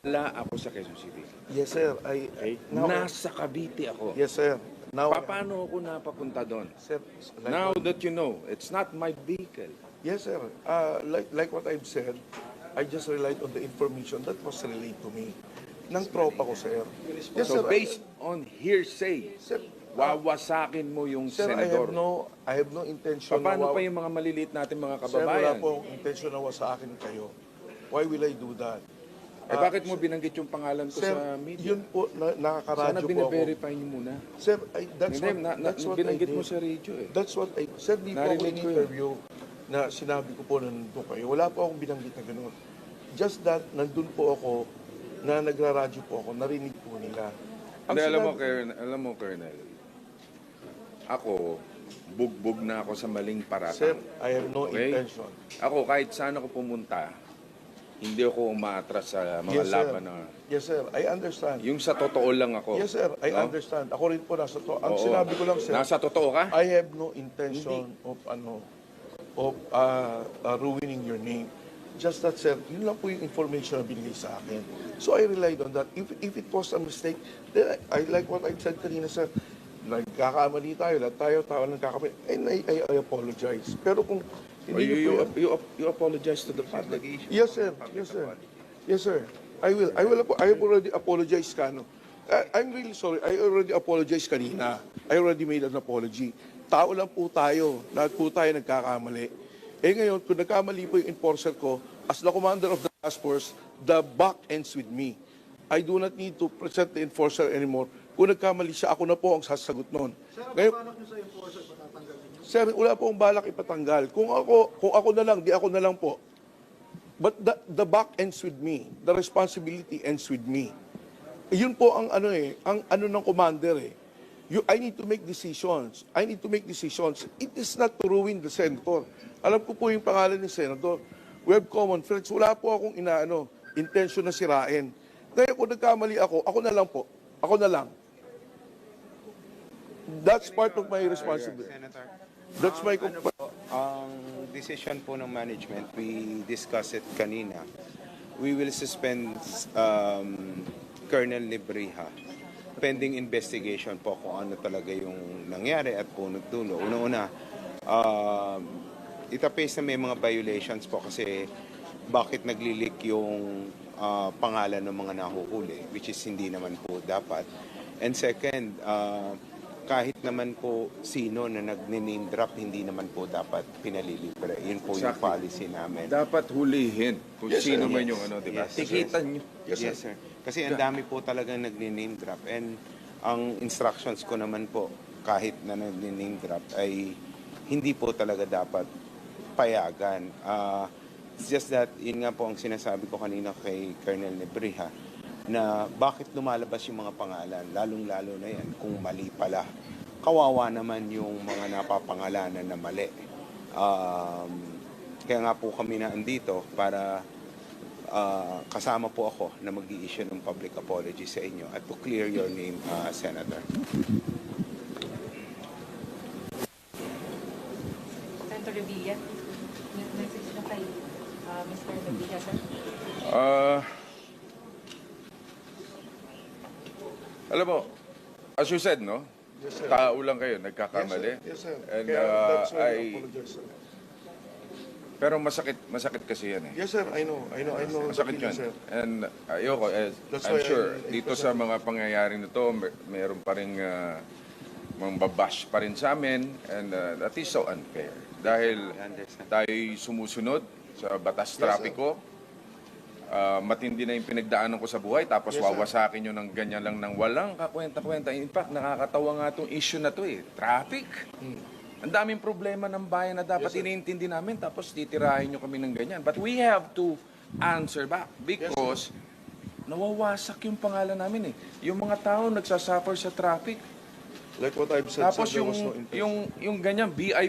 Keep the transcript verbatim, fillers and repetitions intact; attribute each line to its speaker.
Speaker 1: Wala ako sa Quezon City.
Speaker 2: Yes, sir. I,
Speaker 1: Okay?
Speaker 2: now,
Speaker 1: Nasa Cavite ako.
Speaker 2: yes, sir. Now,
Speaker 1: Pa- Paano ako napapunta doon?
Speaker 2: sir, like
Speaker 1: Now
Speaker 2: what,
Speaker 1: that you know, it's not my vehicle.
Speaker 2: yes, sir. Uh, like, like what I've said, I just relied on the information that was relayed to me ng tropa ko, sir. Yes,
Speaker 1: So
Speaker 2: sir.
Speaker 1: based on hearsay,
Speaker 2: Sir,
Speaker 1: wawasakin mo yung
Speaker 2: sir, I
Speaker 1: senador.
Speaker 2: have no, I have no intention
Speaker 1: Pa- Paano
Speaker 2: na,
Speaker 1: pa
Speaker 2: wa-
Speaker 1: yung mga maliliit natin mga
Speaker 2: sir, wala
Speaker 1: kababayan?
Speaker 2: pong intention na wa sa akin kayo. Why will I do that?
Speaker 1: Eh bakit mo binanggit yung pangalan ko
Speaker 2: Sir,
Speaker 1: sa media?
Speaker 2: yun po, na,
Speaker 1: Sana
Speaker 2: nakakaradyo po ako.
Speaker 1: bine-verify niyo muna.
Speaker 2: Sir, I, that's
Speaker 1: Hindi,
Speaker 2: what,
Speaker 1: na, na,
Speaker 2: that's what I
Speaker 1: binanggit
Speaker 2: did.
Speaker 1: mo sa radio eh.
Speaker 2: That's what I, sir, di po ako
Speaker 1: Narinig ko yun.
Speaker 2: in-interview na sinabi ko po na nandun kayo. Wala po akong binanggit na gano'n. Just that, nandun po ako, na nagraradyo po ako, narinig po nila. Ang
Speaker 1: Hindi, alam mo,
Speaker 2: sinabi-
Speaker 1: Colonel, alam mo, Colonel, ako, bugbog na ako sa maling
Speaker 2: Sir,
Speaker 1: paratang.
Speaker 2: I have no
Speaker 1: Okay?
Speaker 2: intention.
Speaker 1: Ako, kahit saan ako pumunta, hindi ako umaatras sa mga
Speaker 2: Yes, sir.
Speaker 1: laban na...
Speaker 2: Yes, sir. I understand.
Speaker 1: Yung sa totoo lang ako.
Speaker 2: Yes, sir. I
Speaker 1: No?
Speaker 2: understand. Ako rin po nasa to. Ang
Speaker 1: Oo.
Speaker 2: sinabi ko lang, sir,
Speaker 1: Nasa totoo ka?
Speaker 2: I have no intention of ano of uh, uh, ruining your name. Just that, sir, yun lang po yung information na binigay sa akin. So I relied on that. If if it was a mistake, then I, I like what I said kanina, sir. Nagkakamali tayo, lahat tayo, tao nagkakamali. And I, I, I apologize. Pero kung
Speaker 1: Or
Speaker 2: hindi
Speaker 1: you,
Speaker 2: niyo
Speaker 1: you,
Speaker 2: po
Speaker 1: you, you apologize to the public.
Speaker 2: Yes, sir. Yes, sir. Yes, sir. I will. I will. apo- I have already apologized, Kano. I, I'm really sorry. I already apologized kanina. I already made an apology. Tao lang po tayo. Lahat po tayo nagkakamali. Eh ngayon, kung nagkamali po yung enforcer ko, as the commander of the task force, the buck ends with me. I do not need to present the enforcer anymore. Kung nagkamali siya, ako na po ang sasagot noon. Ngayon, Sir, wala po akong balak ipatanggal. Kung ako, kung ako na lang, di ako na lang po. But the, the buck ends with me. The responsibility ends with me. Yun po ang ano eh, ang ano ng commander eh. You, I need to make decisions. I need to make decisions. It is not to ruin the senator. Alam ko po yung pangalan ni senator. We have common friends. Wala po akong inaano, intention na sirain. Kaya kung nagkamali ako, ako na lang po. Ako na lang. That's part of my responsibility.
Speaker 3: Senator,
Speaker 2: That's my...
Speaker 3: ano po, ang decision po ng management, we discussed it kanina. We will suspend um, Colonel Libriha pending investigation po kung ano talaga yung nangyari at punot dulo. Una-una, um, itapes na may mga violations po kasi bakit naglilik yung uh, pangalan ng mga nahuhuli, which is hindi naman po dapat. And second, uh, kahit naman po sino na nag-name drop, hindi naman po dapat pinalilibre. Yun po yung
Speaker 1: Exactly.
Speaker 3: policy namin.
Speaker 1: Dapat hulihin kung
Speaker 2: Yes,
Speaker 1: sino
Speaker 2: sir.
Speaker 1: man
Speaker 3: Yes.
Speaker 1: yung ano, di ba?
Speaker 3: Yes,
Speaker 1: Tikitan nyo.
Speaker 2: Yes, sir.
Speaker 3: Yes, sir. Kasi ang dami po talagang nag-name drop. And ang instructions ko naman po, kahit na nag-name drop, ay hindi po talaga dapat payagan. Uh, it's just that, yun nga po ang sinasabi ko kanina kay Colonel Nebriha, na bakit lumalabas yung mga pangalan, lalong-lalo na yan, kung mali pala. Kawawa naman yung mga napapangalanan na mali. Um, kaya nga po kami na andito para uh, kasama po ako na mag-i-issue ng public apology sa inyo at to clear your name, uh, Senator.
Speaker 4: Senator Revilla, may message na kay uh, Mister Revilla, sir.
Speaker 1: Ah, alam mo, as you said, no?
Speaker 2: Yes, sir.
Speaker 1: Tao lang kayo, nagkakamali.
Speaker 2: Yes, sir. Yes, sir.
Speaker 1: And
Speaker 2: Kaya
Speaker 1: uh,
Speaker 2: that's why I
Speaker 1: I,
Speaker 2: apologize, sir.
Speaker 1: pero masakit, masakit kasi yan eh.
Speaker 2: Yes, sir. I know. I know. I know. the
Speaker 1: Masakit
Speaker 2: feeling,
Speaker 1: yun.
Speaker 2: sir.
Speaker 1: And ayoko, eh,
Speaker 2: That's
Speaker 1: I'm
Speaker 2: why I-
Speaker 1: sure,
Speaker 2: I- I
Speaker 1: dito
Speaker 2: present-
Speaker 1: sa mga pangyayaring nito, mer- meron pa rin uh, mga babash pa rin sa amin, and uh, that is so unfair. Dahil
Speaker 3: I understand.
Speaker 1: tayo'y sumusunod sa batas
Speaker 2: sir.
Speaker 1: trapiko, uh, matindi na yung pinagdaanan ko sa buhay, tapos
Speaker 2: Yes, sir.
Speaker 1: wawasakin nyo ng ganyan lang ng walang kakwenta-kwenta. In fact, nakakatawa nga itong issue na to eh, traffic. Ang daming problema ng bayan na dapat
Speaker 2: Yes, sir.
Speaker 1: iniintindi namin, tapos titirahin nyo kami ng ganyan. But we have to answer back because nawawasak yung pangalan namin eh. Yung mga tao nagsasuffer sa traffic.
Speaker 2: Like what I've said,
Speaker 1: Tapos
Speaker 2: sir, there
Speaker 1: yung,
Speaker 2: was no intention.
Speaker 1: yung, yung ganyan, V I